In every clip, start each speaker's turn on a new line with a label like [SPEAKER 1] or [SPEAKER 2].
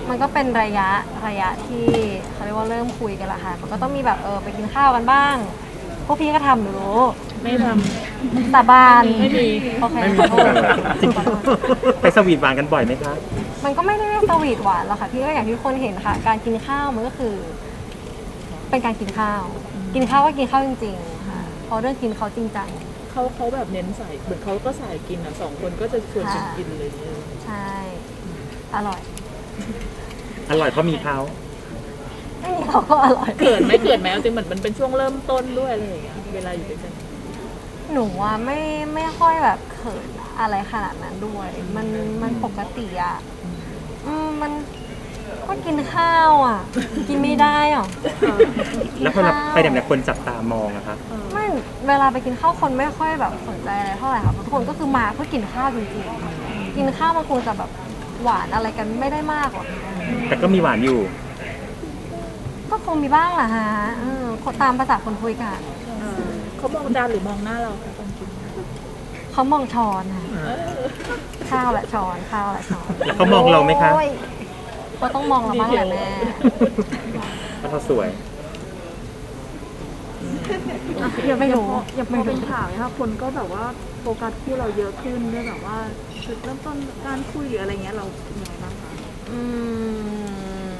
[SPEAKER 1] มันก็เป็นระยะที่เขาเรียกว่าเริ่มคุยกันละค่ะมันก็ต้องมีแบบไปกินข้าวกันบ้างพวกพี่ก็ทำหนูรู้
[SPEAKER 2] ไม่ท
[SPEAKER 1] สาบาน
[SPEAKER 2] ไม่มี
[SPEAKER 1] โอเค
[SPEAKER 3] ไม่มี
[SPEAKER 1] ขอโทษ
[SPEAKER 3] จริงไปสวีทหวานกันบ่อยไหมคะ
[SPEAKER 1] มันก็ไม่ได้สวีทหวานหรอกค่ะพี่ก็อย่างที่ทุกคนเห็นค่ะ การกินข้าวมันก็คือ เป็นการกินข้าว กินข้าวก็กินข้าวจริงๆค่ะเพราะเรื่องกินเขาจริงจัง
[SPEAKER 2] เขาแบบเน้นใส่เหมือนเขาก็ใส่กินอ่ะ2 คนก็จะชวนกันกินเลย
[SPEAKER 1] ใช่อร่อย
[SPEAKER 3] อร่อยเพราะมีเขา
[SPEAKER 1] ไม่มีเขาก็อร่อย
[SPEAKER 2] เกิดไหมจริงเหมือนมันเป็นช่วงเริ่มต้นด้วยอะไรอย่างเงี้ยเวลาอยู่ด้วยกัน
[SPEAKER 1] หนูว่าไม่ค่อยแบบเขินอะไรขนาดนั้นด้วย มันปกติอ่ะมันก็กินข้าวอ่ะ กินไม่ได้อ่ะ
[SPEAKER 3] แล้วพอเราไปไหนคนจับตามองอะคะ
[SPEAKER 1] ไม่เวลาไปกินข้าวคนไม่ค่อยแบบสนใจอะไรเท่าไหร่ค่ะทุกคนก็คือมาเพื่อกินข้าวจริงๆกินข้าวมันคงจะแบบหวานอะไรกันไม่ได้มากหรอก
[SPEAKER 3] แต่ก็มีหวานอยู่
[SPEAKER 1] ก็คงมีบ้างแหละฮะตามภาษาคนคุยกัน
[SPEAKER 2] เขามองจานหรือมองหน้าเราคะตอนกิน
[SPEAKER 1] เขามองช้อนค่ะข้าวและช้อนข้าวและช้อน
[SPEAKER 3] แล้วเขามองเราไหมคะ
[SPEAKER 1] โอ้ยก็ต้องมองเราบ้างแหละแม่
[SPEAKER 3] เพราะเขาสวย
[SPEAKER 1] ยังไม่รู้
[SPEAKER 4] อย่างพอเป็นข่าวเนี่ยค่ะคนก็แบบว่าโฟกัสคู่เราเยอะขึ้นด้วยแบบว่าจุดเริ่มต้นการคุยหรืออะไรเงี้ยเรายังไงบ้างคะ
[SPEAKER 1] อืม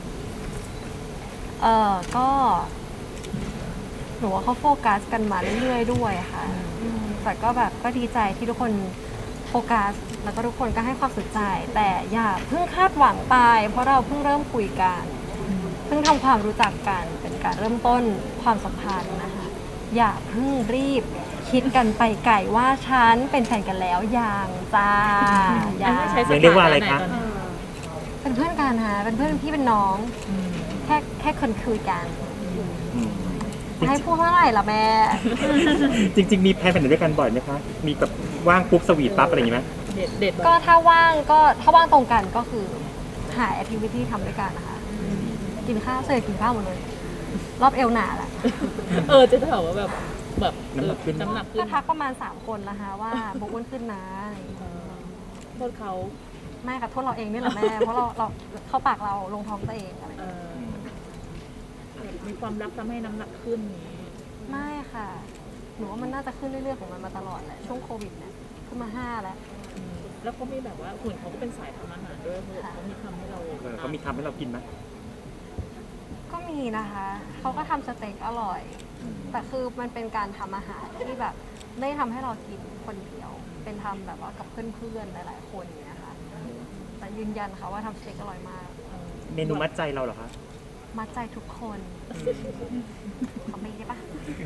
[SPEAKER 1] ก็หนูว่าเขาโฟกัสกันมาเรื่อยๆด้วยค่ะแต่ก็แบบก็ดีใจที่ทุกคนโฟกัสแล้วก็ทุกคนก็ให้ความสนใจ แต่อย่าเพิ่งคาดหวังไปเพราะเราเพิ่งเริ่มคุยกันเพิ่งทำความรู้จักกันเป็นการเริ่มต้นความสัมพันธ์นะคะอย่าเพิ่งรีบคิดกันไปไกลว่าฉันเป็นแฟนกันแล้วยังจ้าอย่า
[SPEAKER 2] ใช้ส
[SPEAKER 3] เรียกว่าอะไร
[SPEAKER 2] ถน
[SPEAKER 3] คะ
[SPEAKER 2] หนตนนี้
[SPEAKER 1] เป็นเพื่อนกันค่ะเป็นเพื่อนพี่เป็นน้อง แค่คนคุยกัน
[SPEAKER 3] อืม
[SPEAKER 1] ให้พูดว่าอะไรล่ะแม่
[SPEAKER 3] จริง ๆ มีแพลนไปไหนด้วยกันบ่อยไหมคะ มีแบบว่างปุ๊บสวีทปั๊บอะไรอย่างงี้ไหม
[SPEAKER 2] เด็ด
[SPEAKER 1] ก็ถ้าว่างตรงกันก็คือหาแอคทิวิตี้ทำด้วยกันนะคะ กินข้าวเสร็จกินข้าวหมดเลย รอบเอวหนาแหละ
[SPEAKER 2] จะถามว่าแบบน้ำหนักขึ้น
[SPEAKER 1] ก็ทักประมาณ 3 คนนะคะว่าบุกอ้วนขึ้นนะอะไรอย่างเงี้ย
[SPEAKER 2] โทษเขา
[SPEAKER 1] ไม่ค่ะโทษเราเองนี่แหละแม่ เพราะเราเข้าปากเราลงท้องตัวเองอะไรอย่างเงี้ย
[SPEAKER 2] มีความรักทำให้น้ำหนักขึ้นนี้
[SPEAKER 1] ไม่ค่ะ หนูว่ามันน่าจะขึ้นเรื่อยๆของมันมาตลอดแหละ ช่วงโควิดเนี่ยขึ้นมา 5 แล้ว
[SPEAKER 2] แล้วเขามีแบบว่าหุ่นเขาก็เป็นสายทำอาหารด้วยเขามีทำให้เรา
[SPEAKER 3] เขามีทำให้เรากินไหม
[SPEAKER 1] ก็มีนะคะ เขาก็ทำสเต็กอร่อย แต่คือมันเป็นการทำอาหารที่แบบไม่ได้ทำให้เรากินคนเดียว เป็นทำแบบว่ากับเพื่อนๆหลายๆคนอย่างเงี้ยค่ะ แต่ยืนยันค่ะว่าทำสเต็กอร่อยมาก
[SPEAKER 3] เมนูมัดใจเราเหรอคะ
[SPEAKER 1] มัดใจทุกคนเขาไม่ได้ปะ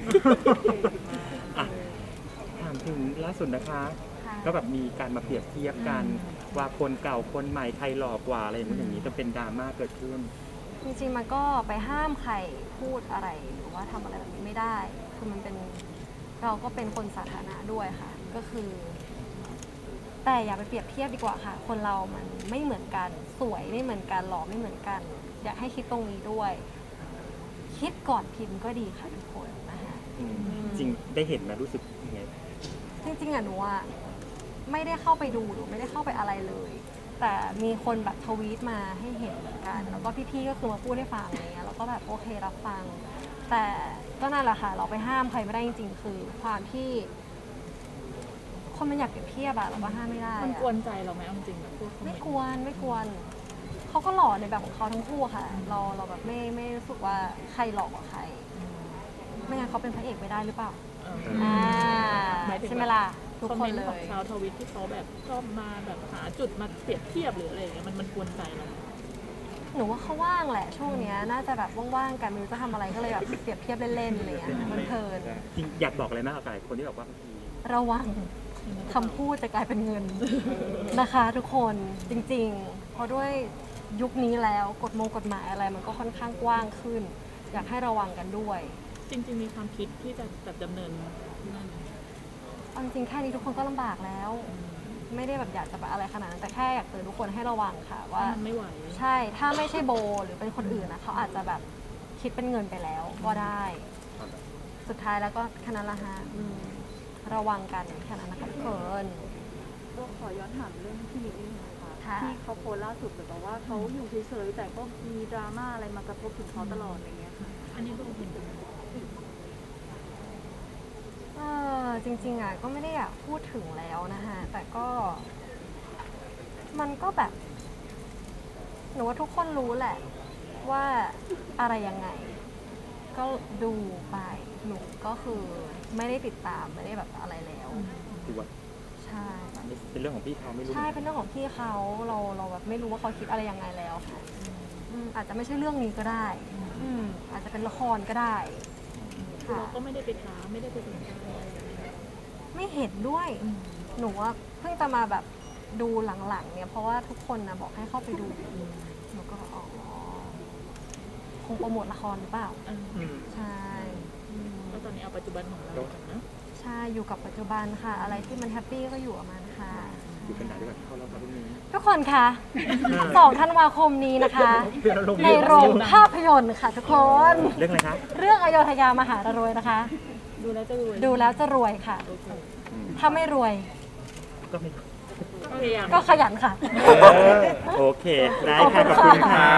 [SPEAKER 3] อ่ะถามถึงล่าสุดนะคะ
[SPEAKER 1] ค่ะ
[SPEAKER 3] ก็แบบมีการมาเปรียบเทียบกัน ว่าคนเก่าคนใหม่ใครหล่อกว่าอะไรอย่างนู้นอย่างนี้จนเป็นดราม่าเกิดขึ้น
[SPEAKER 1] จริงๆมันก็ไปห้ามใครพูดอะไรหรือว่าทำอะไรแบบนี้ไม่ได้ คือมันเป็นเราก็เป็นคนสาธารณะด้วยค่ะ ก็คือ แต่อย่าไปเปรียบเทียบดีกว่าค่ะ คนเรามันไม่เหมือนกัน สวยไม่เหมือนกัน หล่อไม่เหมือนกัน อยากให้คิดตรงนี้ด้วย คิดก่อนพิมพ์ก็ดีค่ะทุกคนนะคะ
[SPEAKER 3] จริงได้เห็นไหมรู้สึกยังไง
[SPEAKER 1] จริงๆอะหนูอะไม่ได้เข้าไปดูหรือไม่ได้เข้าไปอะไรเลย แต่มีคนแบบทวีตมาให้เห็นเหมือนกัน แล้วก็พี่ๆก็คือมาพูดให้ฟังอะไรเงี้ยแล้วก็แบบโอเครับฟัง แต่ก็นั่นแหละค่ะ เราไปห้ามใครไม่ได้จริงๆ คือความที่คนมันอยากเปรียบเทียบอะเราก็ห้ามไม่ได้
[SPEAKER 2] มัน
[SPEAKER 1] อะ
[SPEAKER 2] กวนใจเราไหมเอาจริงแบบพวก
[SPEAKER 1] ไม่กวนเขาก็หล่อในแบบของเขาทั้งคู่ค่ะ เราแบบไม่รู้สึกว่าใครหล่อกว่าใคร ไม่งั้นเขาเป็นพระเอกไม่ได้หรือเปล่าใช่ไหมล่ะทุก
[SPEAKER 2] คอม
[SPEAKER 1] ค
[SPEAKER 2] เม
[SPEAKER 1] น
[SPEAKER 2] นต์
[SPEAKER 1] เล
[SPEAKER 2] ของ
[SPEAKER 1] ย
[SPEAKER 2] ชาวทวิตที่เขาแบบชอบมาแบบหาจุดมาเปรียบเทียบหรืออะไรอย่างเงี้ยมันกวนใจเรา
[SPEAKER 1] หนูว่าเขาว่างแหละช่วงเนี้ยน่าจะแบบว่างๆกันไม่รู้จะทำอะไรก็เลยแบบเปรียบเทียบเล่นๆอะไรอย่างเงี้ยมันเพลิน
[SPEAKER 3] จริงอยากบอกอะไรมากกับหลายคนที่บอกว่าบางที
[SPEAKER 1] ระวังคำพูดจะกลายเป็นเงินนะคะทุกคนจริงๆ เพราะด้วยยุคนี้แล้วกฎหมายอะไรมันก็ค่อนข้างกว้างขึ้น อยากให้ระวังกันด้วย
[SPEAKER 2] จริงๆมีความคิดที่จะแบบดำเนินนั่น
[SPEAKER 1] เอาจริงๆแค่นี้ทุกคนก็ลำบากแล้ว ไม่ได้แบบอยากจะแบบอะไรขนาดนั้นแต่แค่อยากเตือนทุกคนให้ระวังค่ะว่า
[SPEAKER 2] มันไม่ไหว
[SPEAKER 1] ใช่ถ้าไม่ใช่โบหรือเป็นคนอื่นนะเขาอาจจะแบบคิดเป็นเงินไปแล้วก็ได้ สุดท้ายแล้วก็แค่นั้นละฮะระวังกันแค่นั้นนะคะทุกคน
[SPEAKER 4] ก็ขอย้อนถามเรื่องพี่มิกนี่นะคะ
[SPEAKER 1] ค่ะ
[SPEAKER 4] ที่เขาโพสต์ล่าสุดเหมือนกับว่าเขาอยู่เฉยๆแต่ก็มีดราม่าอะไรมากระทบถึงเขาตลอดอะไรเงี้ยค่ะ
[SPEAKER 2] อันนี้ก็เห็น
[SPEAKER 1] จริงๆอ่ะก็ไม่ได้อยากพูดถึงแล้วนะคะแต่ก็มันก็แบบหนูว่าทุกคนรู้แหละว่าอะไรยังไง ก็ดูไปหนูก็คือไม่ได้ติดตามไม่ได้แบบอะไรแล้ว
[SPEAKER 3] ถือว่า
[SPEAKER 1] ใช่
[SPEAKER 3] เป็นเรื่องของพี่เขาไม่รู้
[SPEAKER 1] ใช่เป็นเรื่องของพี่เขาเราแบบไม่รู้ว่าเขาคิดอะไรยังไงแล้วค่ะอาจจะไม่ใช่เรื่องนี้ก็ได้อาจจะเป็นละครก็ได้ค่ะ
[SPEAKER 2] เราก็ไม่ได้ไปถามไม่ได้ไปสนใจอะไร
[SPEAKER 1] ไม่เห็นด้วย หนูว่าเพิ่งจะมาแบบดูหลังๆเนี่ยเพราะว่าทุกคนนะบอกให้เข้าไปดูหนูก็อ๋อคงโปรโมทละครหรือเปล่า
[SPEAKER 3] อืม
[SPEAKER 1] ใช่อืม
[SPEAKER 2] แล้วตอนนี้เอาปัจจุบันของเราก่อนนะ
[SPEAKER 1] ใช่อยู่กับปัจจุบันค่ะ อะไรที่มันแฮปปี้ก็อยู่กับมันค่ะ
[SPEAKER 3] อยู่กันไหนด้วยกันเข้าแล้วครับพรุ่งนี้
[SPEAKER 1] ทุกคนคะ2 ธันวาคมนี้นะคะ ในโรงภาพยนตร์ค่ะทุกคน
[SPEAKER 3] เรื่องอะไรคะ
[SPEAKER 1] เรื่องอโยธยามหารวยนะคะ
[SPEAKER 2] ดูแล้วจะรวย
[SPEAKER 1] ดูแล้วจะรวยค่ะ
[SPEAKER 2] โอเค
[SPEAKER 1] ถ้าไม่รวย
[SPEAKER 3] ก็ไม่
[SPEAKER 2] ก็พยายาม
[SPEAKER 1] ก็ขยันค่ะ
[SPEAKER 3] โอเค ได้ค่ะ ขอบคุณค่ะ